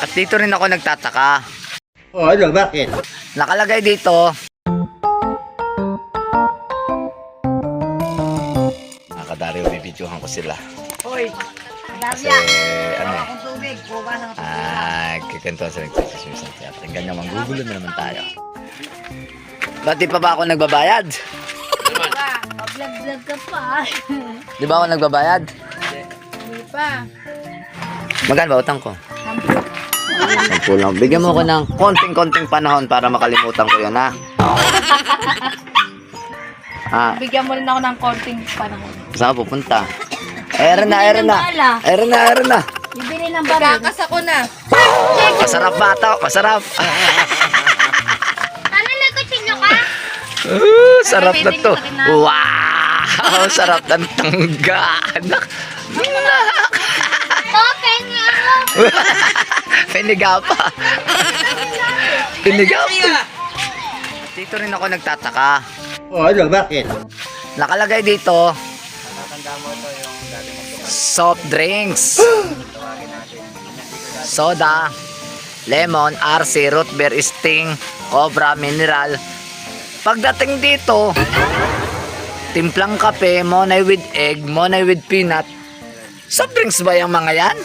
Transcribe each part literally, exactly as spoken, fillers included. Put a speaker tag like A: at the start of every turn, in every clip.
A: At dito rin ako nagtataka.
B: Oh, ano? Bakit?
A: Nakalagay dito. Mga kadaryo, bibidyohan ko sila.
C: Hoy,
A: Kasi, ano eh.
C: akong tubig. Kuha ng
A: Ah, kikantuan sa nagsisismisan. Kaya pakinggan nyo, manggugulo na naman tayo. Ba't di pa ba ako nagbabayad?
C: Vlog-vlog ka pa.
A: Di ba ako nagbabayad?
C: Hindi pa.
A: Magkano ba utang ko? Sampu lang. Bigyan mo ko ng konting-konting panahon para makalimutan ko yun, ha? Ah,
C: Bigyan mo rin ako ng konting panahon.
A: saan ka pupunta? Ayan na, ayan na. Ayan na, ayan na.
C: Bibili ng baril. Kakas ako na.
A: Masarap ba ito? Masarap.
C: Ano na kutsilyo ka?
A: Uh, sarap na to. Wow! Sarap ng tangga. Anak.
C: Okay nga.
A: Piniga pa. Piniga pa. Dito rin ako nagtataka.
B: Oh, ano? Bakit?
A: Nakalagay dito. Soft drinks. Soda. Lemon, R C, root beer, sting, cobra, mineral. Pagdating dito, timplang kape, monay with egg, monay with peanut. Soft drinks ba yung mga yan?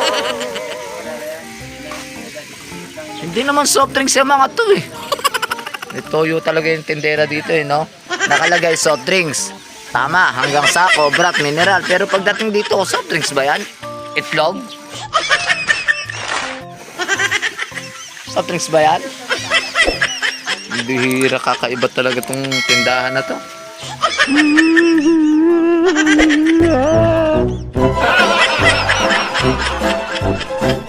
A: Hindi naman soft drinks yung mga to eh. May toyo talaga yung tindera dito eh, no? Nakalagay soft drinks. Tama, hanggang sako, brat, mineral. Pero pagdating dito, soft drinks ba yan? Itlog? Soft drinks ba yan? Bihira, kakaiba talaga tong tindahan na to.